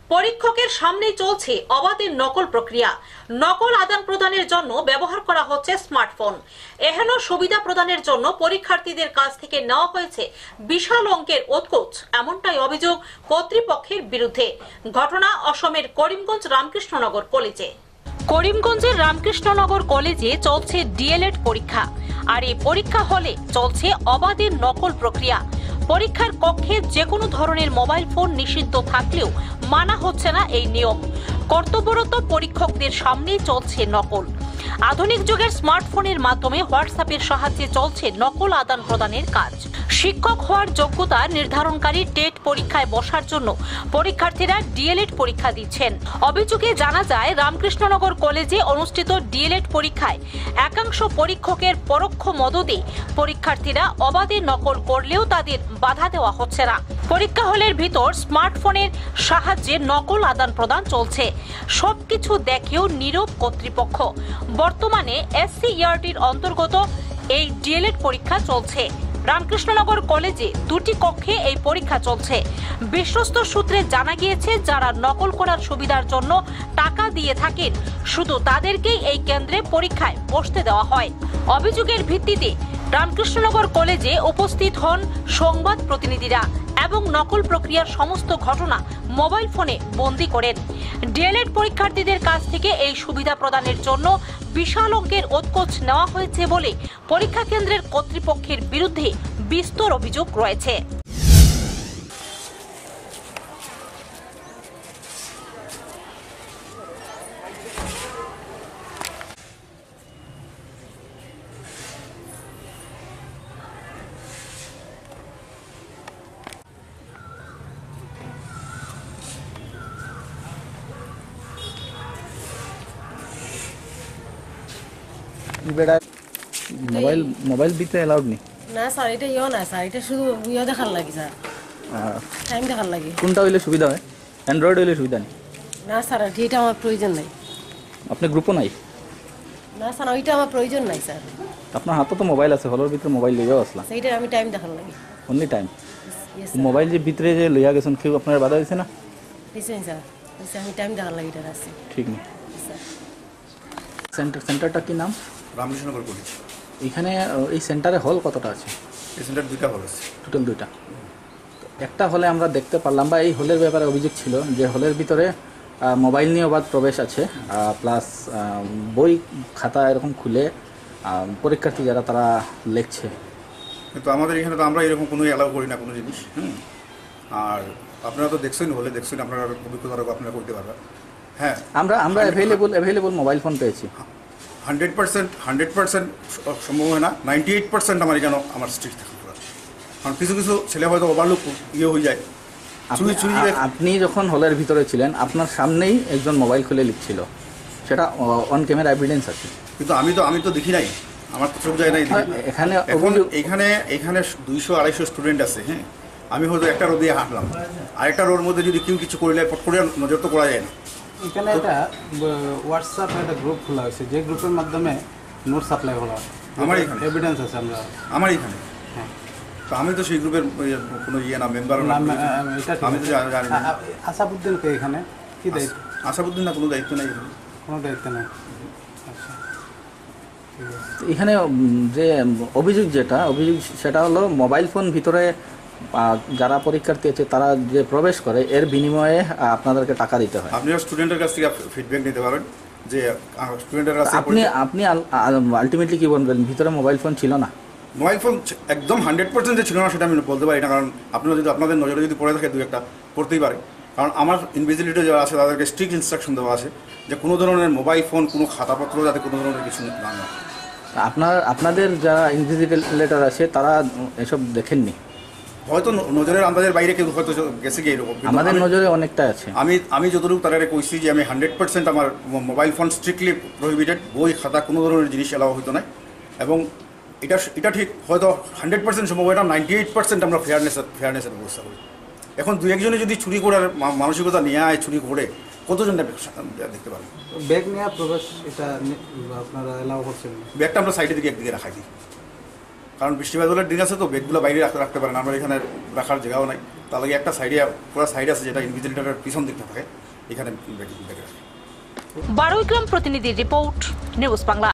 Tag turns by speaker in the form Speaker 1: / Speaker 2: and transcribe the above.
Speaker 1: পরীক্ষকের সামনেই চলছে অবাধের নকল প্রক্রিয়া। নকল আদান প্রদানের জন্য ব্যবহার করা হচ্ছে স্মার্টফোন। এহেন সুবিধা প্রদানের জন্য পরীক্ষার্থীদের কাছ থেকে নেওয়া হয়েছে বিশাল অঙ্কের উৎকোচ, এমনটাই অভিযোগ কর্তৃপক্ষের বিরুদ্ধে। ঘটনা অসমের করিমগঞ্জ রামকৃষ্ণনগর কলেজে। করিমগঞ্জের রামকৃষ্ণনগর কলেজে চলছে ডিএলএড পরীক্ষা, আর এই পরীক্ষা হলে চলছে অবাধের নকল প্রক্রিয়া। পরীক্ষার কক্ষে যে কোনো ধরনের মোবাইল ফোন নিষিদ্ধ থাকলেও মানা হচ্ছে না এই নিয়ম। কর্তব্যরত পরীক্ষকদের সামনেই চলছে নকল। আধুনিক যুগের স্মার্টফোনের মাধ্যমে হোয়াটসঅ্যাপের সাহায্যে চলছে নকল আদান প্রদানের কাজ। শিক্ষক হওয়ার যোগ্যতা নির্ধারণকারী টেট পরীক্ষায় বসার জন্য পরীক্ষার্থীরা ডিএলএড পরীক্ষা দিচ্ছেন। অভিযোগে জানা যায়, রামকৃষ্ণনগর কলেজে অনুষ্ঠিত ডিএলএড পরীক্ষায় একাংশ পরীক্ষকের পরোক্ষ মদদে পরীক্ষার্থীরা অবাধে নকল করলেও তাদের বাধা দেওয়া হচ্ছে না। পরীক্ষা হলের ভিতর স্মার্টফোনের সাহায্যে নকল আদান প্রদান চলছে। সবকিছু দেখেও নীরব কর্তৃপক্ষ। বর্তমানে এসসিইআরটির অন্তর্গত এই ডিএলএড পরীক্ষা চলছে। রামকৃষ্ণনগর কলেজে দুটি কক্ষে এই পরীক্ষা চলছে। বিশ্বস্ত সূত্রে জানা গিয়েছে, যারা নকল করার সুবিধার জন্য টাকা দিয়ে থাকেন শুধু তাদেরকেই এই কেন্দ্রে পরীক্ষায় বসতে দেওয়া হয়। অভিযোগের ভিত্তিতে রামকৃষ্ণনগর কলেজে উপস্থিত হন সংবাদ প্রতিনিধিরা এবং নকল প্রক্রিয়ার সমস্ত ঘটনা মোবাইল ফোনে বন্দী করেন। ডিএলএড পরীক্ষার্থীদের কাছ থেকে এই সুবিধা প্রদানের জন্য বিশাল অঙ্কের উৎকোচ নেওয়া হয়েছে বলে পরীক্ষা কেন্দ্রের কর্তৃপক্ষের বিরুদ্ধে বিস্তর অভিযোগ রয়েছে।
Speaker 2: বেটা মোবাইল দিতে অ্যালাউড নেই
Speaker 3: না স্যার, এটা না স্যার, এটা শুধু দেখার লাগে স্যার, টাইম দেখার লাগে।
Speaker 2: কোনটা হইলে সুবিধা হয়? অ্যান্ড্রয়েড হইলে সুবিধা নেই?
Speaker 3: না স্যার, এটা আমার প্রয়োজন নাই।
Speaker 2: আপনার গ্রুপও নাই?
Speaker 3: না স্যার, ওইটা আমার প্রয়োজন নাই স্যার।
Speaker 2: আপনার হাতে তো মোবাইল আছে, হলের ভিতরে মোবাইল লইয়াও আসলাম,
Speaker 3: সেইটা আমি টাইম দেখার লাগে।
Speaker 2: Only time? মোবাইল যে ভিতরে যে লইয়া গেছেন, কেউ আপনার বাধা দিছে না?
Speaker 3: দিছেন স্যার, আমি টাইম দেখার লাগে, এটা আছে।
Speaker 2: ঠিক নেই। সেন্টারটা কি নাম?
Speaker 4: রামকৃষ্ণনগর কলেজ।
Speaker 2: এখানে এই সেন্টারে হল কতটা আছে?
Speaker 4: এই সেন্টার দুইটা হল আছে,
Speaker 2: টোটাল দুইটা। একটা হলে আমরা দেখতে পারলাম, বা এই হলের ব্যাপারে অভিযোগ ছিল যে হলের ভিতরে মোবাইল নিয়ে অবাধ প্রবেশ আছে, প্লাস বই খাতা এরকম খুলে পরীক্ষার্থী যারা তারা লিখছে।
Speaker 4: কিন্তু আমাদের এখানে তো আমরা এরকম কোনো অ্যালাউ করি না কোনো জিনিস। আর আপনারা তো দেখছেন, হলে দেখছেন, আপনারা অভিজ্ঞতা আপনারা করতে পারবেন। হ্যাঁ, আমরা
Speaker 2: অ্যাভেলেবল মোবাইল ফোন পেয়েছি।
Speaker 4: 100% সম্ভব হয় না, 98% আমার এখানে আমার স্ট্রিক্ট থাকে। কারণ কিছু কিছু ছেলে হয়তো ওভারলুক হয়ে যায়।
Speaker 2: আপনি যখন হলের ভিতরে ছিলেন, আপনার সামনেই একজন মোবাইল খুলে লিখছিল, সেটা অন ক্যামেরা এভিডেন্স আছে। কিন্তু
Speaker 4: আমি তো দেখি নাই, আমার তো চোখ যায় নাই। এখানে 200-250 স্টুডেন্ট আছে। হ্যাঁ, আমি হয়তো একটা রো দিয়ে হাঁটলাম, আরেকটা রোর মধ্যে যদি কেউ কিছু করলে পট করে নজর তো করা যায় না।
Speaker 5: এখানে একটা হোয়াটসঅ্যাপ একটা গ্রুপ খোলা হয়েছে, যে গ্রুপের মাধ্যমে নোট সাপ্লাই করা হয়।
Speaker 4: আমার এখানে
Speaker 5: এভিডেন্স আছে আমার এখানে।
Speaker 4: হ্যাঁ, তো আমি তো সেই গ্রুপের কোনো না, মেম্বার না। আমি তো জানি না।
Speaker 5: আসাদুদ্দিনকে এখানে কি দায়িত্ব?
Speaker 4: আসাদুদ্দিন না, কোনো দায়িত্ব নেই,
Speaker 5: কোনো দায়িত্ব নেই।
Speaker 2: এখানে যে অভিযোগ সেটা হলো মোবাইল ফোন ভিতরে যারা পরীক্ষার্থী আছে তারা যে প্রবেশ করে, এর বিনিময়ে আপনাদেরকে টাকা দিতে হয়।
Speaker 4: আপনি স্টুডেন্টের কাছ থেকে ফিডব্যাক নিতে পারেন যে স্টুডেন্টের কাছে
Speaker 2: আপনি আলটিমেটলি কি বলবেন, ভিতরে মোবাইল ফোন ছিল না?
Speaker 4: মোবাইল ফোন একদম 100% যে ছিল না সেটা আমি বলতে পারি না, কারণ আপনারা যদি আপনাদের নজরে যদি পড়ে থাকে, দু একটা পড়তেই পারে। কারণ আমার ইনভিজিলেটর যারা আছে তাদেরকে স্ট্রিক্ট ইনস্ট্রাকশন দেওয়া আছে যে কোনো ধরনের মোবাইল ফোন, কোনো খাতাপত্র যাতে কোনো ধরনের কিছু না হয়।
Speaker 2: আপনাদের যারা ইনভিজিলেটর আছে তারা এসব দেখেননি?
Speaker 4: হয়তো নজরের আন্দাজের বাইরে কেউ হয়তো গেছে গিয়ে এরকম।
Speaker 2: আমাদের নজরে অনেকটা আছে।
Speaker 4: আমি যতটুকু তারা কইছি যে আমি 100% আমার মোবাইল ফোন স্ট্রিক্টলি প্রহিবিটেড, বই খাতা কোনো ধরনের জিনিস এলাও হইতো না। এবং এটা ঠিক হয়তো 100% সম্ভব হয় না, 98% আমরা ফেয়ারনেসের ব্যবস্থা করি। এখন দু একজনে যদি চুরি করার মানসিকতা নিয়ে আয়, চুরি করে কতজন দেখতে পারেন?
Speaker 5: ব্যাগ নিয়ে প্রবেশ, এটা আপনারা এলাও করছেন?
Speaker 4: ব্যাগটা আমরা সাইডের দিকে একদিকে রাখাই দিই। কারণ বৃষ্টি বাদলের দিন আছে তো ব্যাগগুলো বাইরে রাখতে পারে না, আমরা এখানে রাখার জায়গাও নাই। তার লাগে একটা সাইডে পুরো সাইড আছে যেটা ইনভিজিলেটরের পিছন দিকটা থাকে, এখানে ব্যাগ রাখে।
Speaker 1: বারুইগ্রাম প্রতিনিধির রিপোর্ট, নিউজ বাংলা।